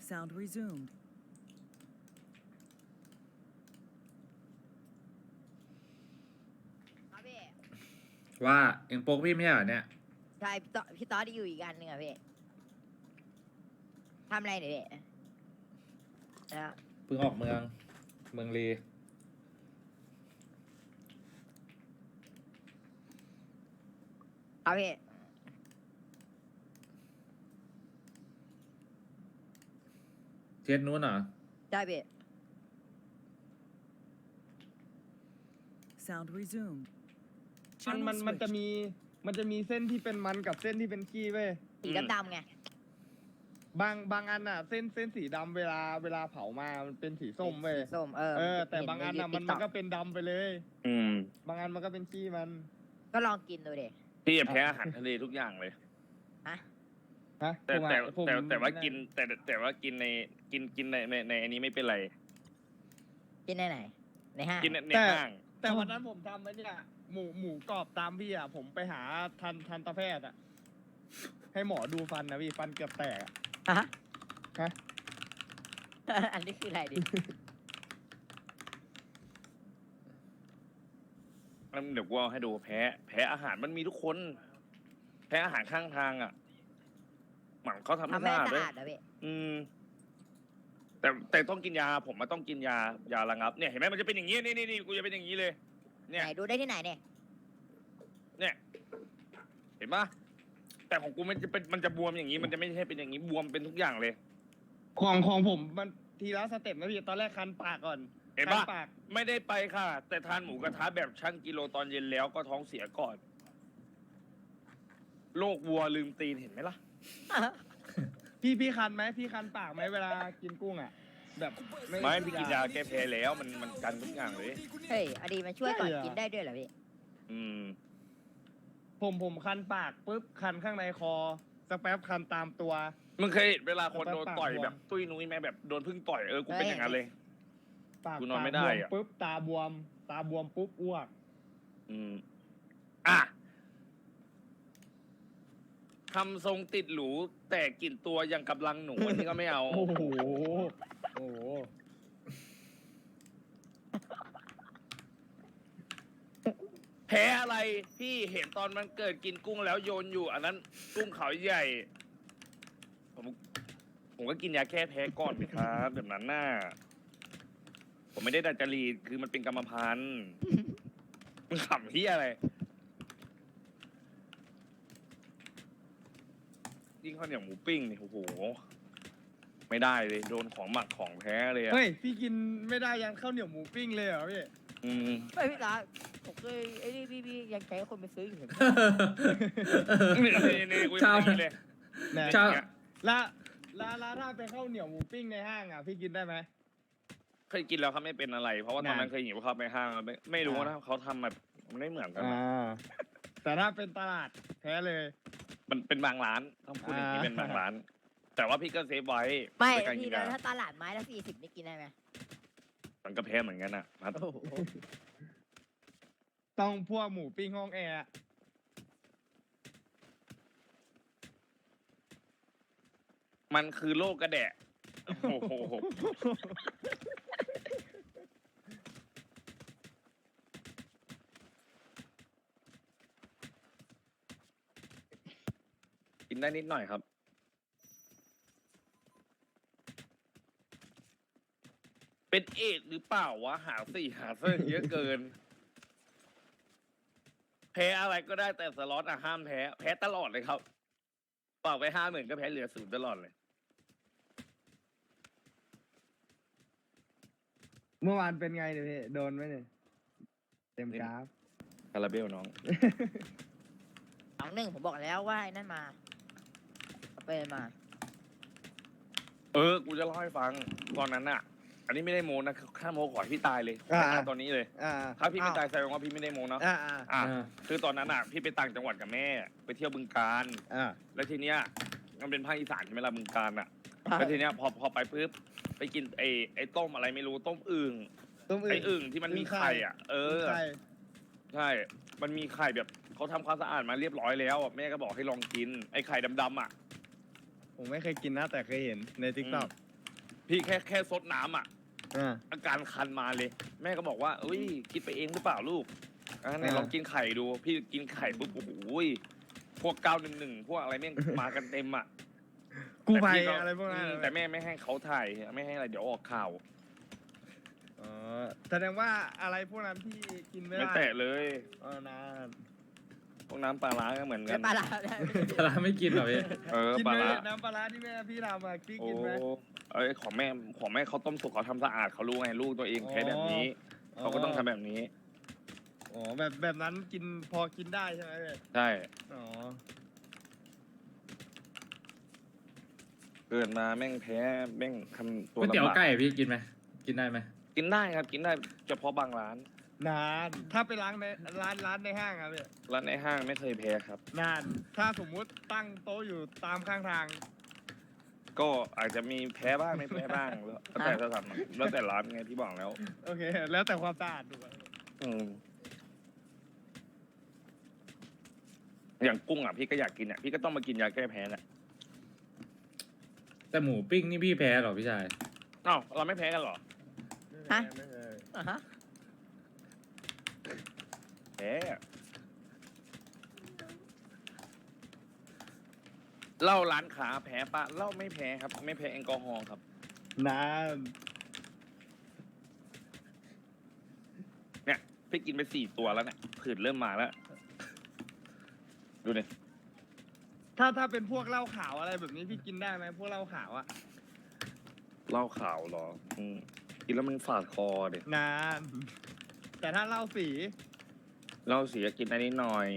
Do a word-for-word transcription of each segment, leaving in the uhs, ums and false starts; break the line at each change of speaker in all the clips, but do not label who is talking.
Sound resumed.
ครับพี่
ว่าเอ็งโป๊กพี่ไม่ใช่เหรอเนี่ย
ใช่พี่ต๊อพี่ต๊อดที่อยู่อีกอันหนึ่งอะพี่ทำอะไรเนี่ยพี่นะ
เพิ่งออกเมือง เมืองลี
ครับพี่
เทสนู้นเหรอ
ใช่พี่
Sound resumed.
มัน
Channel
มันมันจะ
switched.
มีมันจะมีเส้นที่เป็นมันกับเส้นที่เป็นขี้เว้ย
สีดำๆไง
บางบางอันอ่ะ เส้นเส้นสีดำเวลาเวลาเผามามันเป็นสีส้มเว้ย
สีส้มเออ
เออ แต่บางอันอ่ะมันมันก็
เห็ใ
เป็นดำไปเลย
อืม
บางอันมันก็เป็นขี้มัน
TikTok ก็ลองกินดูดิ
พี่จะแพ้อาหารทะเลทุกอย่างเลย
ฮะ
ฮะ
แต่
ผมอะ
แต่
ผม
แต่แต่ว่ากินแต่แต่ว่ากินในกินกินในในในอันนี้ไม่เป็นไร
กินในไหน ในห้าง
กินในในห้าง
แต่วันนั้นผมทำไอ้เนี่ยหมูหมูกรอบตามพี่อ่ะ ผมไปหาทันทันตแพทย์อ่ะ ให้หมอดูฟันนะพี่ฟันเกือบแตกอะ
ฮะ
ฮะ
อันนี้คืออะไรดิ
แล้วเดี๋ยวกูเอาให้ดูแพ้ แพ้อาหารมันมีทุกคน แพ้อาหารข้างทางอ่ะหมันเขาทำไม่
ทำให้
สะอาด
สะ
ด้วย
อาดเหรอพี่
อืม แต่แต่ต้องกินยา ผมมาต้องกินยายาระงับเนี่ยเห็นไหมมันจะเป็นอย่างนี้นี่นี่นี่กูจะเป็นอย่างนี้เลย เนี่ย
ไหนดูได้ที่ไหนเนี่ย
เนี่ย เห็นปะแต่ของกูมันจะเป็นมันจะบวมอย่างนี้ มันจะไม่ใช่เป็นอย่างนี้บวมเป็นทุกอย่างเลย
ของของผมมันทีละสเต็ปนะพี่ตอนแรกคันปากก่อน
เห็น
คั
ปะ
ปาก
ไม่ได้ไปค่ะ แต่ทานหมูกระทะแบบชั่งกิโลตอนเย็นแล้วก็ท้องเสียก่อน โรควัวลืมตีนเห็นไหมล่ะ
พี่พี่คันไหมพี่คันปากไหมเวลากินกุ้งอ่ะ แบบ
ไม่พี่กินยาแก้แพ้แล้วมันมันกันทุกอย่างเลย
เฮ้ยอดีมันช่วยก่อนกินได้ด้วยเหรอพี่
อืม
ผมผมคันปากปุ๊บคันข้างในคอสักแป๊บคันตามตัว
มึงเคยเห็นเวลาคนโดนต่อย
ปากบวม
แบบตุ้ยนุ้ยไหมแบบโดนพึ่งต่อยเออกูเป็นอย่างนั้นเลย
ปาก
กูนอนไม่ได้
ตาบว
อะ
ปุ๊บตาบวม ตาบวมปุ๊บอ้วก
อืม อ่ะทำทรงติดหรู แต่กลิ่นตัวยังกำลังหนูอันนี้ก็ไม่เอา
โอ้โหโอ้โห
แพ้อะไรพี่เห็นตอนมันเกิดกินกุ้งแล้วโยนอยู่ อันนั้นกุ้งเขาใหญ่ ผมผมก็กินยาแก้แพ้ก่อนไหมครับแบบนั้นน่ะผมไม่ได้ดัดจริตคือมันเป็นกรรมพันธุ์มึงขำที่อะไรยิ่งข้าวเหนียวหมูปิ้งนี่โอ้โหไม่ได้เลยโดนของหมักของแพ้เลยอะ
เฮ้ยพี่กินไม่ได้ยันข้าวเหนียวหมูปิ้งเลยเหรอพี่
อืม
ไม่พี่ตาผมเคยไอ้นี่พี่พี่ยังใช้คนไปซื้ออยู่เลย
นี่นี่นี่กู
ชาว
ยังไม่ได้เลย
แน่
ชาว
แล้วแล้วแล้วถ้าเป็นข้าวเหนียวหมูปิ้งในห้างอ่ะพี่กินได้ไหม
เคยกินแล้วเขาไม่เป็นอะไร เพราะว่าตอนนั้นเคยหิวข้าวไปห้างไม่ไม่รู้นะเขาทำแบบมันไม่เหมือนกันนะ
อ่าแต่ถ้าเป็นตลาดแพ้เลย
มันเป็นบางร้านต้องพูดอย่างนี้
อ่า
เป็นบางร้าน แต่ว่าพี่ก็เซฟไว้
ไม่
ในการกิ
พี่
น
แล้ว
ยา
ถ้าตลาดไม้ละสี่สิบนี่กินได้ไหม
มันก็แพ้เหมือนกันอ่ะพัด
โอ้โห
ต้องพวกหมูปิ้งห้องแอร์
มันคือโรคกระแดะโอ้โหกินได้นิดหน่อยครับ เป็นเอดส์หรือเปล่าวะ หาสี่หาเส้นเยอะเกิน แพ้อะไรก็ได้แต่สล็อตอะห้ามแพ้ แพ้ตลอดเลยครับเปล่าไปห้าหมื่นก็แพ้เหลือศูนย์ตลอดเลย
เมื่อวานเป็นไงเนี่ยพี่โดนไหมเนี่ยเต็มกราฟ
คาราเบลน้อง
สองหนึ่งผมบอกแล้วว่าไอ้นั่นมาเอาไปมา
เออ กูจะเล่าให้ฟัง ตอนนั้นอะอันนี้ไม่ได้โมนะข้าโมขอให้พี่ตายเลย
อ่า
ขอตอนนี้เลย
อ่า
ถ้าพี่ไม่ตายแสดงว่าพี่ไม่ได้โมเนาะ
อ่าอ่า
อ่ะ
อ่า
คือตอนนั้นอะพี่ไปต่างจังหวัดกับแม่ ไปเที่ยวบึงกาฬ
อ่า
แล้วทีเนี้ยมันเป็นภาคอีสานใช่ไหมล่ะบึงกาฬอะแล้วทีเนี้ยพอพอไปปุ๊บไปกินไอ้ไอ้ต้มอะไรไม่รู้ต้มอึ่ง
ต้ม
ไอ้อึ่งที่มันมีไข่อ่ะ เออ
ใช่
ใช่ มันมีไข่แบบเขาทำความสะอาดมาเรียบร้อยแล้วอะแม่ก็บอกให้ลองกิน ไอ้ไข่ดำๆอ่ะ
ผมไม่เคยกินนะแต่เคยเห็นในทิกตอก
พี่แค่แค่ซดน้ำอ่ะ
อ่า
อาการคันมาเลย แม่ก็บอกว่าเอ้ยคิดไปเองหรือเปล่าลูกอ่ะไหน
อ่า
ลองกินไข่ดู พี่กินไข่ปุ๊บโอ้โหยพวกเก้าหนึ่งหนึ่งพวกอะไรเนี่ยมากันเต็มอ่ะ
กู้ภัย
แต่พี่
อะไรพวกนั้น
อืมแต่แม่ไม่ให้เขาถ่ายไม่ให้อะไรเดี๋ยวออกข่าว
อ๋อแสดงว่าอะไรพวกนั้นพี่กินไม่
ไม่
ได้
แตะเลย
เออนะ
พวกน้ำปลาร้าก็เหมือนกั
ไม่
น
ปลาร้า
ปลาร้าไม่กินเหรอพี่
เออ
กิน
ปลา
ไหม
ร้า
น้ำปลาร้าที่แม่พี่ทำอะพี่
โอ้
กินไหม
เอ้ยของแม่ของแม่เขาต้มสุกเขาทำสะอาดเขารู้ไงลูกตัวเองแพ้แบบนี้เขาก็ต้องทำแบบนี้
อ๋อแบบแบบนั้นกินพอกินได้ใช่ไหมพี่
ใช่
อ๋อ
เกิดมาแม่งแพ้แม่งทำตัว
ก๋วยเตี๋ยว
ลำบาก
ไก่พี่กินไหมกินได้ไหม
กินได้ครับกินได้เฉพาะบางร้าน
นานถ้าไปล้างในร้านร้านในห้างครับพี่
ร้านในห้างไม่เคยแพ้ครับ
นานถ้าสมมุติตั้งโต๊ะอยู่ตามข้างทาง
ก็อาจจะมีแพ้บ้างไม่แพ้บ้างแล้วแต่สถานแล้วแต่ร้านไงที่บอกแล้ว
โอเค แล้วแต่ความสะอาดดูอะ
อืมอย่างกุ้งอ่ะพี่ก็อยากกินอ่ะพี่ก็ต้องมากินยาแก้แพ้แหละ
แต่หมูปิ้งนี่พี่แพ้เหรอพี่ชาย
อ้าวเราไม่แพ้กันเหรอ
ฮะ
ไม่เคย
อ่ะฮะ
แพ้เหล้าร้านค้าแพ้ปะเหล้าไม่แพ้ครับ ไม่แพ้แอลกอฮอล์ครับ
นาน
เนี่ยพี่กินไปสี่ตัวแล้วเนี่ยผื่นเริ่มมาแล้ว ดูดิ
ถ้าถ้าเป็นพวกเหล้าขาวอะไรแบบนี้พี่กินได้ไหมพวกเหล้าขาวอะ
เหล้าขาวเหรออืมกินแล้วมันฝาดคอเด็
นาน แต่ถ้าเหล้าสี
เหล้าเสียกินอันนี้หน่อย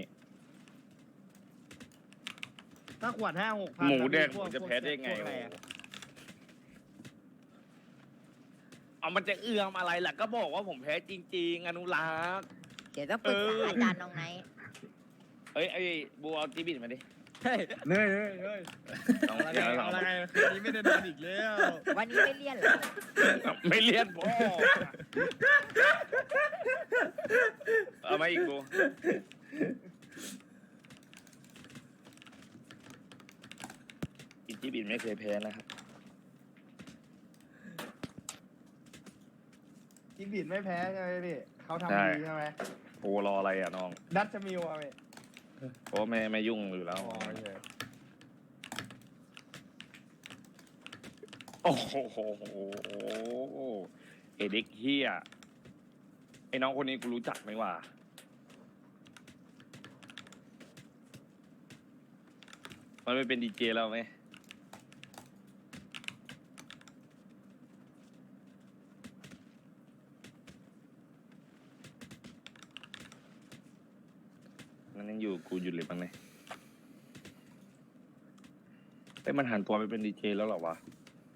ถ้าขวดห้าหกพัน
หมูแดง
พวก
ผมจะแพ้ได้ไง
พวกอะไรอะ
เอามันจะเอื้อมอะไรล่ะก็บอกว่าผมแพ้จริง ๆ อนุรักษ์
เดี๋ยวต้องปรึกษา
เอออ
อาจารย์น้องไนท์
เอ้ยไอ้บัวเอาจีบินมาดิ
เฮ้ย
เฮ้ยเฮ้ยเฮ้ย
ต้อง
อะไร
เดี๋ยว
ไง
เรา
อะไรไงคืนนี้ไม่ได้นอนอีกแล้ว
วันนี้ไม่เลี่ยนเหรอ
ไม่เลียนพ่อเอามาอีกบัวอีจีบินไม่เคยแพ้นะครับ
กินบิดไม่แพ้ใช่ไหมพี่เขา
ใช่
ทำดีใช่ไหม
โอ้รออะไรอ่ะน้อง
ดัชชมิวอะพี่
เพราะว่าไม่ไม่ยุ่งอยู่แล้ว
อ๋อโอเค
โอ้โหเอเด็กเฮียไอ้น้องคนนี้กูรู้จักไหมวะมันไม่เป็นดีเจแล้วไหมมันยังอยู่กูอยู่เลยบ้างไหมไอ้ยมันหันตัวไปเป็นดีเจแล้วเหรอวะ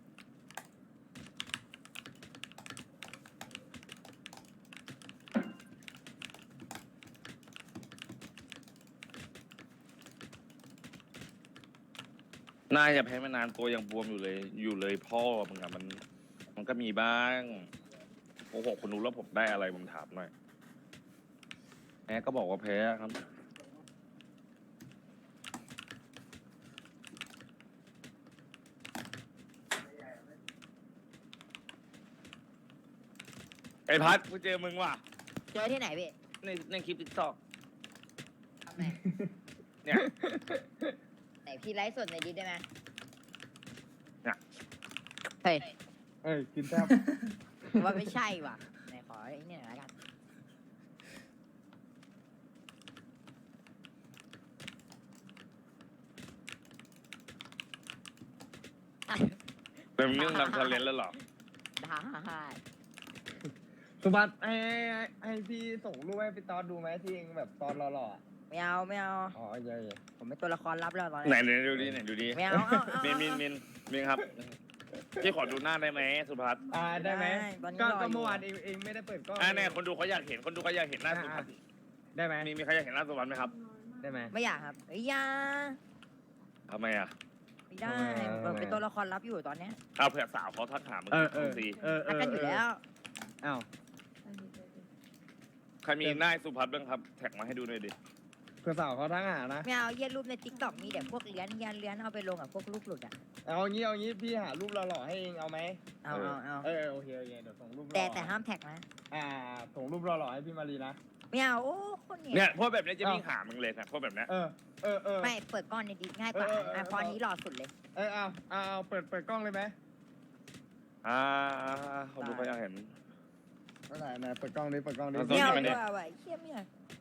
น่าจะแพ้มานานตัวยังบวมอยู่เลย อยู่เลยพ่อมึงอะมัน มันก็มีบ้างโอ้โหคนรู้แล้วผมได้อะไรผมถามหน่อยแม่ก็บอกว่าแพ้ครับ ไอ้พัดกูเจอมึงว่ะ
เจอที่ไหนพี่
ในในคลิปติ๊กตอก
ไหน
เนี่ย
ไหนพี่ไลฟ์สดในดิสได้ไหม
เนี่ย
เฮ้ย
เอ้ยกินแทบ
ผมว่าไม่ใช่ว่ะไหนขอไอ้นี่หน่อยละกัน
เป็นเรื่องนำทะเลนแล้วเหรอ
ได้
สุบัติให้ให้ให้พี่ส่งรูปให้พี่ตอนดูไหมที่เองแบบตอนหล่อๆอะ
ไม่เอาไม่เอา
อ๋อโอเคโอเค
ผมเป็นตัวละครลับแล้วตอน
ไหน
นี้
ไหนดูดิไหนดูดิ
ไม่เอาเอาเอา
มินมินมินมินครับพี่ขอดูหน้าได้ไหมสุภัส
อ่าได้ไหม
ตอนนี้
ก็
รอ
ก็
อยู่
เมื่อวานเองเองไม่ได้เปิดกล้อง
อ่าแน่คนดูเขาอยากเห็นคนดูเขาอยากเห็นหน้าสุภัส
ได้ไหม
มีมีใครอยากเห็นหน้าสุภัสไหมครับ
ได้ไหม
ไม่อยากครับเอ้ยอยา
ทำไมอ่ะ
ไม่ได้
เออ
ผมเป็นตัวละครลับอยู่ตอนเนี้ย
เอาเผื่อสาวเขาทักถามมึง
เออเออ
สิ
เออเอ
รัก
อ
กันอยู่แล้ว
อ้าว
ใครมีหน้าสุภัสบ้างครับ แท็กมาให้ดูหน่อยดิ
พื่อสาวเขาทั้งหานะ
ไม่เอาเยี่ยรูปในติ๊กต็อกมีแต่พวกเลี้ยนเลี้ยนเลี้ยนเอาไปลงกับพวกรูปหลุดอ่ะ
เอางี้เอางี้พี่หารูปหล่อๆให้เองเอาไหม
เอาเอาเอา
เออโอเคโอเคเดี๋ยวส่งรูปหล่อ
แต่แต่ห้ามแท็กนะ
อ่าส่งรูปหล่อๆให้พี่มารีนะ
ไม่เอาโอ้คนเนี่
เนี่ย ยพวกแบบนี้จะวิ่งหามึงเลยนะพวกแบบเนี้ย
เออเออเออ
ไม่เปิดก้อนในดิสง่ายกว่า
เออเออเออ
อ่ะเพราะอันนี้หล่อสุดเลย
เออเอาเอาเอาเปิดเปิดกล้องเลยไหม
อ่าเขาดูเขาอยากเห็น
ไหนไหนเปิดกล้องดิเปิดกล้องดิ
เอา
ไม่เอา
ไม่
ดี
ได้
กว่าว่ะไอ้เชี่ยไม่เอา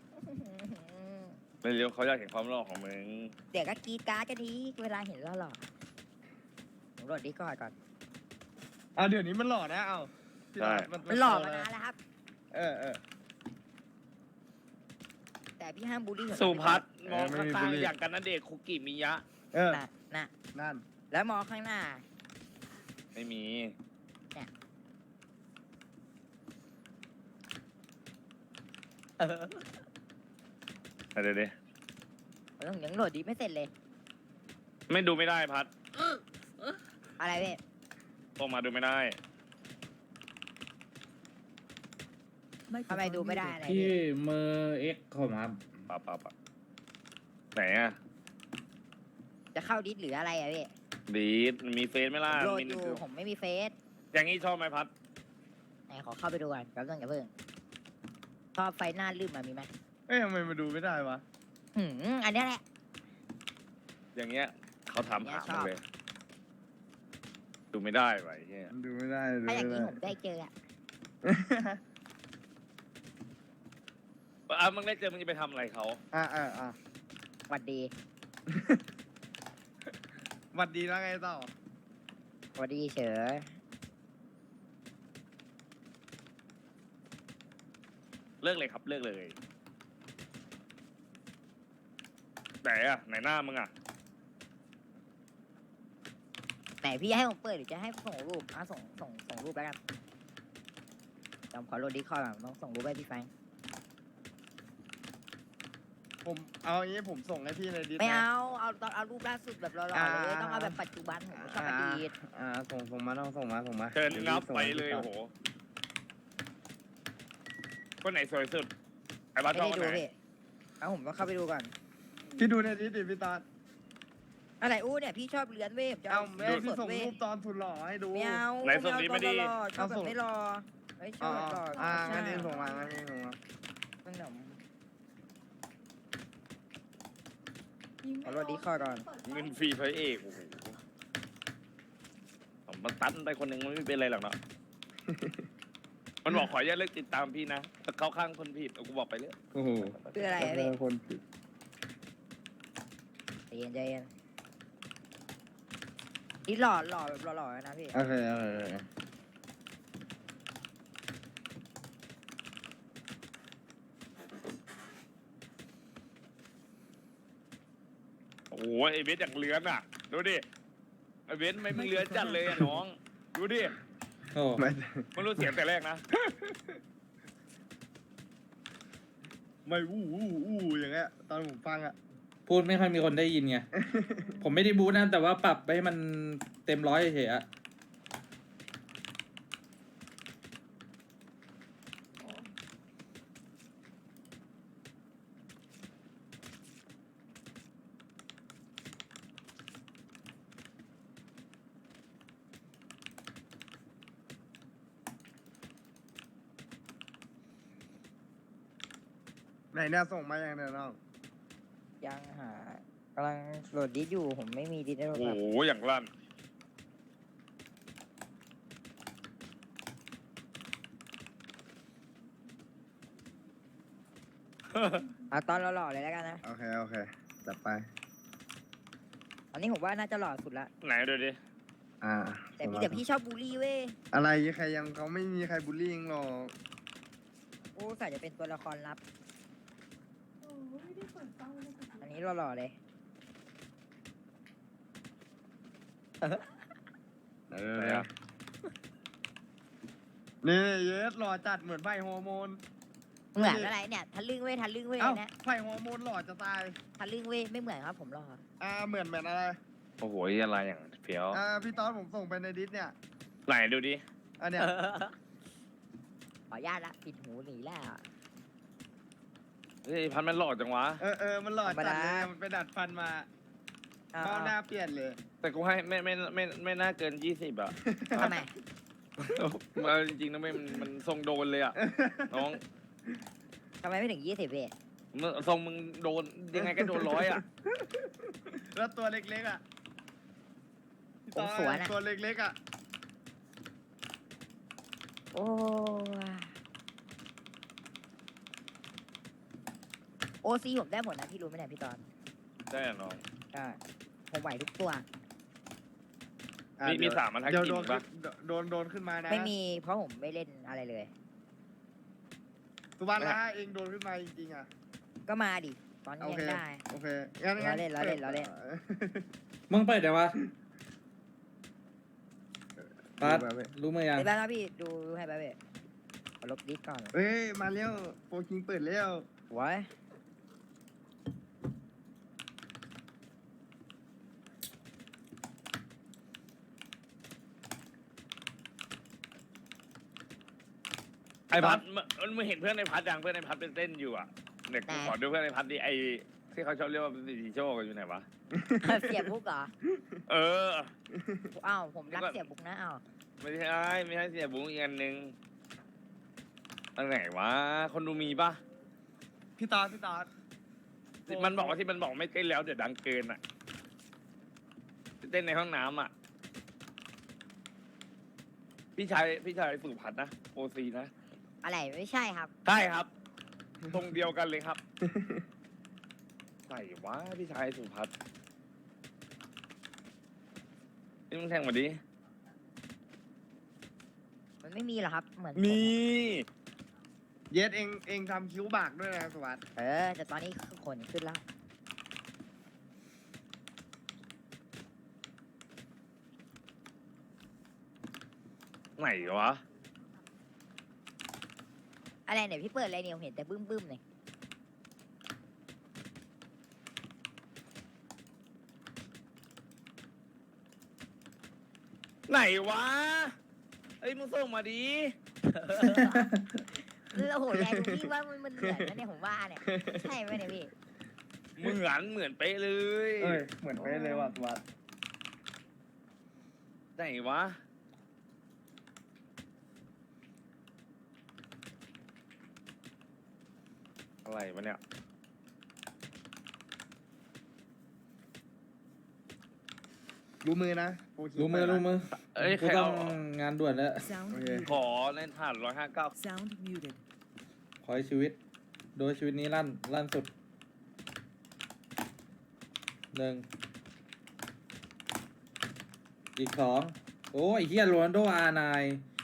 ไม่รู้เขาอยากเห็นความหล่อของมึง
เดี๋ยวก็กรีดการ์ดกันดีเวลาเห็นแล้วหล่อผมโหลดดิก่อนก่อน
อ่าเดี๋ยวนี้มันหล่อนะเอาพี่ตา
มันหล่อมานานแล้วครับ
เออเออ
แต่พี่ห้ามบูลลี่ผม
สุพัฒน์มอง
เออไม่
ข้าง
มีบุหรี่
ๆอย่างกันนั่นเด็กคุกิมิยะ
เออ
น่ะน่ะ
นั่น
แล้วมองข้างหน้า
ไม่มี
เออ
เดี๋ยวดิ
ผมยังโหลดดิไม่เสร็จเลย
ไม่ดูไม่ได้พัด
อะไรเว้ย
ออกมาดูไม่ได้
ทำไมดูไม่ได้อะไร
พี่
เว้ย
เมอร์เอ็กคอมครับ
ปะปะปะไหนอะ
จะเข้าดิสหรืออะไรอะเว้ย
ดีดมีเฟซไหมล่ะ
โหลด
มี
อยู่ผมไม่มีเฟซ
อย่างนี้ชอบไหมพัด
ไหนขอเข้าไปดูก่อนแป๊บนึงอย่าเพิ่งชอบไฟหน้าลืมมามีไหม
เอ้ยทำไมมาดูไม่ได้วะ
หืมอันเนี้ยแหละ
อย่างเงี้ยเขาทำหา
ช
มึ
อง บ
เลย ดูไม่ได้ไว้เฮีย
ดูไม่ได้ดู
ถ้าอย่าง
ไม่
นี้
ได้
ผมได้เจออะ
อ่ะมึงได้เจอมึงจะไปทำอะไรเขา
อ่าอ่าอ่า
หวัดดี
หวัดดีแล้วไงต่อ
หวัดดีเฉย
เลิกเลยครับเลิกเลย ไหนอะไหนหน้ามึงอะ
ไหนพี่ให้ผมเปิดหรือจะให้ส่งรูปอ่ะส่งส่งส่งรูปแล้วกันจำขอโหลดดิคอร์ดก่อนต้องส่งรูปให้พี่แฟรงค์
ผมเอาอย่างนี้ผมส่งให้พี่ในดิส
ไม่
นะ
เอาเอาต้องเอารูปล่าสุดแบบหล่อๆเลย
อ่า
ต้องเอาแบบปัจจุบันผมไม่ชอบอดีต
อ่าส่งส่งมาต้องส่งมาส่งมา
เชิญ
ดี๋ยว
งับ
ส่ง
ไป
ให้
เลย
พี่
โอ้โหคนไหนสวยสุดไอ้บ้า
ไม่
ชอบ
ได้
คน
ดู
ไหน
พี่เอาผมต้องเข้าไปดูก่อน
พี่ดูในดิสดิพี่ตา
อะไรอู้เนี่ยพี่ชอบเลือนเว้ยผมจะ
เอา
เอา
แม่พี่
สด
ส่ง
ๆเว้ย
รูปตอนสุดหล่อให้ดู
ไม่เอา
ไหนส่งดิไม่ดี
ไม่เอาตอนหล่อๆชอบแบ
เอาส่
บ
ง
ไม่หล่อไม่ช
อ๋
อ
อบ
แบบหล่อ
อ่า
ใช่
งั้นนี่ส่งมางั้นนี่ส่งมา
ขนมขอโหลดดิคอร์ดก่อน
เงินฟรีพระเอกโอ้โหผมมันตันไปคนหนึ่งมันไม่เป็นไรหรอกเนาะ มันบอกขออย่าตเลิกติดตามพี่นะแต่เขาข้างคนผิดเอากูบอกไปเลย
โอ้โห
คืออะไรอะ
เจ
พี่
อคนผิด
ใจเย็นใจเย็นนี่หล่อหล่อแบบหล่อๆนะพี่
โอเคโอเคโอเค
โอ้โหไอเวสอย่างเลื้อนอ่ะ ดูดิไอเวสไม่มึงเลื้อนจัดเลยอะน้อง ดูดิ
โอ้
ไม่
มันรู้เสียงแต่แรกนะ
ไม่อู้อู้อู้อย่างเงี้ยตอนผมฟังอ่ะ
พูดไม่ค่อยมีคนได้ยินไง ผมไม่ได้บูทนะ แต่ว่าปรับให้มันเต็มร้อยเฉยๆอะ
ไหนเนี่ยส่งมาอย่างเดียวน้อง
ยังหากำลังโหลดดิสอยู่ผมไม่มีดิสในโทร
โอ้
ศัพ
โห
ท์
อย่างลั่น
เอาตอนหล่อๆเลยแล้วกันนะ
โอเคโอเคจัดไป
อันนี้ผมว่าน่าจะหล่อสุดละ
ไหนดูดิ
อ่า
แต่
ส่ง
พี่
มา
แต่พี่ชอบบูลลี่เว้ย
อะไรใครยังเขาไม่มีใครบูลลี่หรอก
โอ้ใส่จะเป็นตัวละครลับ อันนี้หล่อๆเลย
เออ
ไหนอะ
นี่เยสหล่อจัดเหมือนไผ่ฮอร์โมน
เหมือนอะไรเนี่ยทะลึ่งเว้ยทะลึ่งเว้ย
เอ้า
เนี่ย
ไผ่ฮอร์โมนหล่อจะตาย
ทะลึ่งเว้ยไม่เหมือนครับผมหล่อ
อ่าเหมือนเหมือนอะไร
โอ้โหอะไรอย่างเฟี้ยว
อ่าพี่ตอนผมส่งไปในดิสเนี่ย
ไหนดูดิ
อันเนี้ย
ขออนุญาตละปิดหูหนีแล้ว
เฮ้ยพันมันหลอกจังวะ
เออเออมันหลอดจัดเลยมันไปดัดฟันมา
เอา
เข้าหน้า
เอา
เปลี่ยนเลย
แต่กูให้ไม่ไม่ไม่ไม่ไม่น่าเกินยี่สิบอ่ะ
ทำไม
เอาจริงๆนะไม่มันมันทรงโดนเลยอ่ะน้อง
ทำไมไม่ถึงยี่สิบพี่
มึงทรงมึงโดนยังไงก็โดนร้อยอ่ะ
แล้วตัวเล็กๆอ่ะพี่
ผ
ต่อ
มสวนอะ
ตัวเล็กๆอ่ะ
โอ้โอซีผมได้หมดนะพี่รู้ไหมเนี่ยพี่ตอน
ใช่น้อง
ใช่ผมไหวทุกตัว
อ่ะ
มีมี
เดี๋ยว
สามมันทัก
เดี๋ยว
กิน
โดน
ปะ
ขึ้นโดนโดนขึ้นมานะ
ไม่มีเพราะผมไม่เล่นอะไรเลย
สุวรรณละเองโดนขึ้นมาจริงๆอ่ะ
ก็มาดิ ตอนนี้
โอ
ยั
เค
งได้
โอเคงั้น
ล้อเล่นล้อเล่นล้อเล่น
มึงเปิดเดี๋ยววะปัด
ดูแบบ
รู้มือยัง
เดี๋ยวแป๊บนะพี่ดูให้แป๊บพี่ขอลบดิสก่อน
เฮ้ยมาเร็วโฟคิงเปิดเร็ว
ไว้
ไอพัดมันมึงเห็นเพื่อนไอพัดยังเพื่อนไอพัดเป็นเต้นอยู่อ่ะเด็กกูขอดูเพื่อนไอพัดดิไอที่เขาชอบเรียกว่าสีโชคอยู่ไหนวะ
เสียบบุกเหรอ
เออ
อ้าวผมรักเสียบบุกนะอ้าว
ไม่ใช่ไม่ใช่เสียบุ้งอีกอันหนึ่งอันไหนวะคนดูมีปะ
พี่ตอดพี่ตอด
ที่มันบอกว่าที่มันบอกไม่เต้นแล้วเดี๋ยวดังเกินอ่ะเต้นในห้องน้ำอ่ะพี่ชายพี่ชายสุพัฒน์นะโอซีนะ
อะไรไม่ใช่ครับ
ใช่ครับ ตรงเดียวกันเลยครับ ใส่วะพี่ชายสุพัฒน์นี่มึงแทงมาดิ
มันไม่มีหรอกครับ เหมือนผ
มี
เย็ดเองเองทำคิ้วบากด้วยนะสวัสดิ์
เออแต่ตอนนี้ขนขึ้นแล้ว
ไหนวะ
อะไรเนี่ยพี่เปิดอะไรเนี่ยผมเห็นแต่บึ้มบึ้มๆเลย
ไหนวะเอ้ยมึงส่งมาดิ
แล้วโหแรงพี่ว่ามันมันเหมือนนะเนี่ยผมว่าเนี่ยใช่ไหมเนี่ยพี่
เหมือนเหมือนเป๊ะเลย
เอ้ยเหมือนเป๊ะเลยว่ะสวัสดิ์
ไหนวะ อะไรวะเนี่ย
รู้มือนะโฟคิง
รู้มือ
เปิดนะ
รู้มือ
เอ้ยใค
กู
ร
ต้อ
เอา
งงานด่วนแล้ว
Sound
Okay.
muted.
ขอเล่นผ่านร้อยห้าเก้า
Sound muted.
ขอให้ชีวิต โดยชีวิตนี้ลั่นลั่นสุดหนึ่งอีกสองโอ้ยเฮียโรนัลโดอาร์ไน